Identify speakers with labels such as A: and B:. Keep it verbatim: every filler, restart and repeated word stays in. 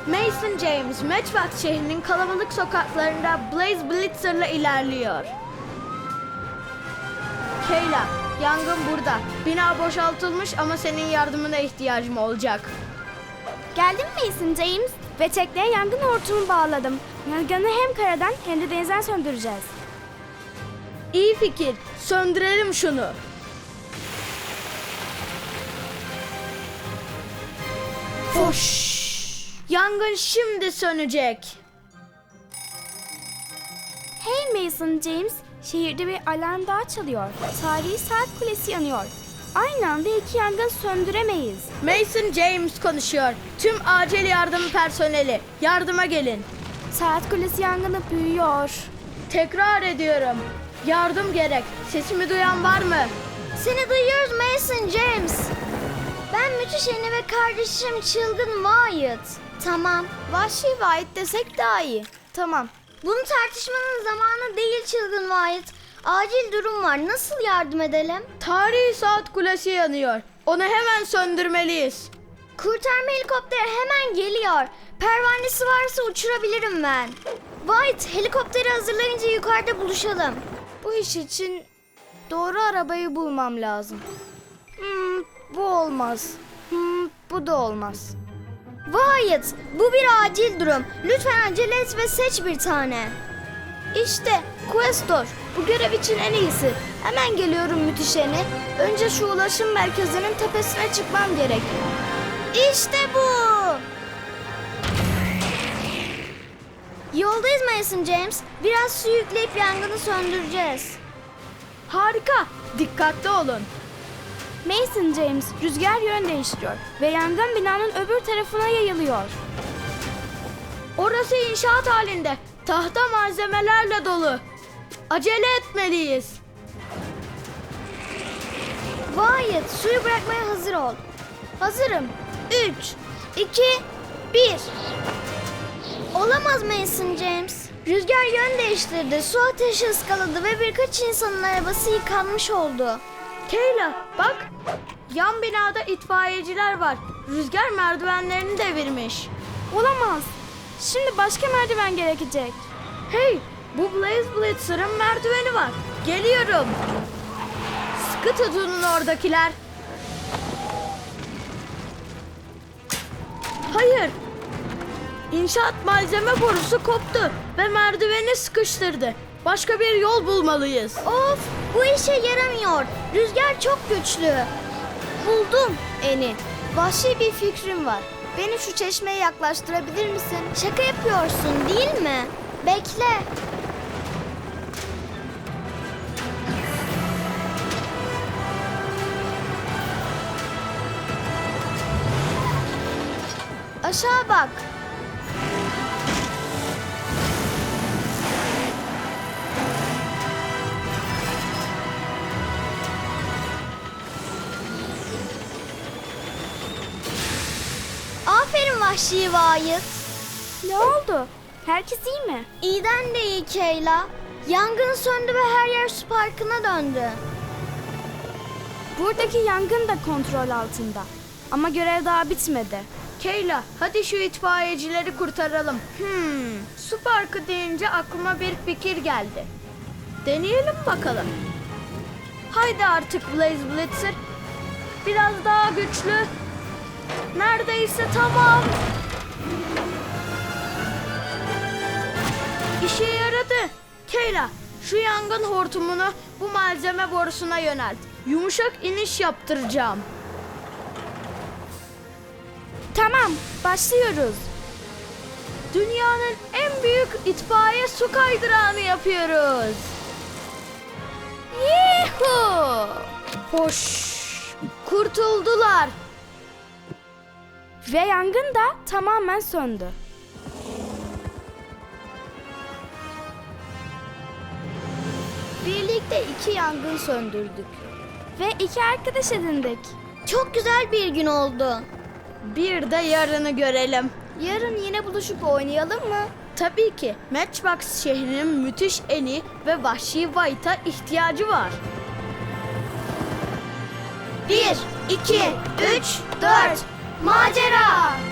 A: Mason James, Matchbox şehrinin kalabalık sokaklarında Blaze Blitzer'la ilerliyor. Kayla, yangın burada. Bina boşaltılmış ama senin yardımına ihtiyacım olacak.
B: Geldim Mason James ve tekneye yangın hortumu bağladım. Yangını hem karadan hem de denizden söndüreceğiz.
A: İyi fikir. Söndürelim şunu. Foş. Yangın şimdi sönecek.
B: Hey Mason James, şehirde bir alarm daha çalıyor. Tarihi saat kulesi yanıyor. Aynı anda iki yangın söndüremeyiz.
A: Mason James konuşuyor. Tüm acil yardım personeli, yardıma gelin.
B: Saat kulesi yangını büyüyor.
A: Tekrar ediyorum. Yardım gerek. Sesimi duyan var mı?
C: Seni duyuyoruz Mason James. Ben Müthiş Eni ve kardeşim Çılgın Wyatt. Tamam.
B: Vahşi Wyatt desek daha iyi. Tamam.
C: Bunu tartışmanın zamanı değil Çılgın Wyatt. Acil durum var. Nasıl yardım edelim?
A: Tarihi saat kulesi yanıyor. Onu hemen söndürmeliyiz.
C: Kurtarma helikopteri hemen geliyor. Pervanesi varsa uçurabilirim ben. Wyatt, helikopteri hazırlayınca yukarıda buluşalım.
B: Bu iş için doğru arabayı bulmam lazım. Hmm, bu olmaz. Hmm, bu da olmaz.
C: Wyatt, bu bir acil durum. Lütfen acele et ve seç bir tane.
B: İşte Questor. Bu görev için en iyisi. Hemen geliyorum Müthiş Eni. Önce şu ulaşım merkezinin tepesine çıkmam gerek.
C: İşte bu. Yoldayız Mason James. Biraz su yükleyip yangını söndüreceğiz.
A: Harika. Dikkatli olun.
B: Mason James rüzgar yön değiştiriyor ve yangın binanın öbür tarafına yayılıyor.
A: Orası inşaat halinde. Tahta malzemelerle dolu. Acele etmeliyiz.
C: Wyatt, suyu bırakmaya hazır ol.
B: Hazırım.
C: Üç, iki, bir. Olamaz Mason James. Rüzgar yön değiştirdi, su ateşi ıskaladı ve birkaç insanın arabası yıkanmış oldu.
A: Kayla bak. Yan binada itfaiyeciler var. Rüzgar merdivenlerini devirmiş.
B: Olamaz. Şimdi başka merdiven gerekecek.
A: Hey, bu Blaze Blitzer'ın merdiveni var. Geliyorum. Sıkı tutunun oradakiler. Hayır. İnşaat malzeme borusu koptu ve merdiveni sıkıştırdı. Başka bir yol bulmalıyız.
C: Of, bu işe yaramıyor. Rüzgar çok güçlü.
B: Buldum Eni. Vahşi bir fikrim var. Beni şu çeşmeye yaklaştırabilir misin?
C: Şaka yapıyorsun değil mi? Bekle.
B: Aşağı bak.
C: Aferin Vahşi Wyatt.
B: Ne oldu? Herkes iyi mi?
C: İyiden de iyi Kayla. Yangın söndü ve her yer su parkına döndü.
B: Buradaki yangın da kontrol altında. Ama görev daha bitmedi.
A: Kayla, hadi şu itfaiyecileri kurtaralım. Hmm, su parkı deyince aklıma bir fikir geldi. Deneyelim bakalım. Haydi artık Blaze Blitzer. Biraz daha güçlü. Neredeyse tamam. İşe yaradı. Kayla, şu yangın hortumunu bu malzeme borusuna yönelt. Yumuşak iniş yaptıracağım.
B: Tamam, başlıyoruz.
A: Dünyanın en büyük itfaiye su kaydırağını yapıyoruz.
B: Yuhuu!
A: Hoş. Kurtuldular.
B: Ve yangın da tamamen söndü. Birlikte iki yangın söndürdük. Ve iki arkadaş edindik.
C: Çok güzel bir gün oldu.
A: Bir de yarını görelim.
B: Yarın yine buluşup oynayalım mı?
A: Tabii ki Matchbox şehrinin müthiş Eni ve Vahşi Wyatt'a ihtiyacı var.
C: Bir, iki, üç, dört. Macera!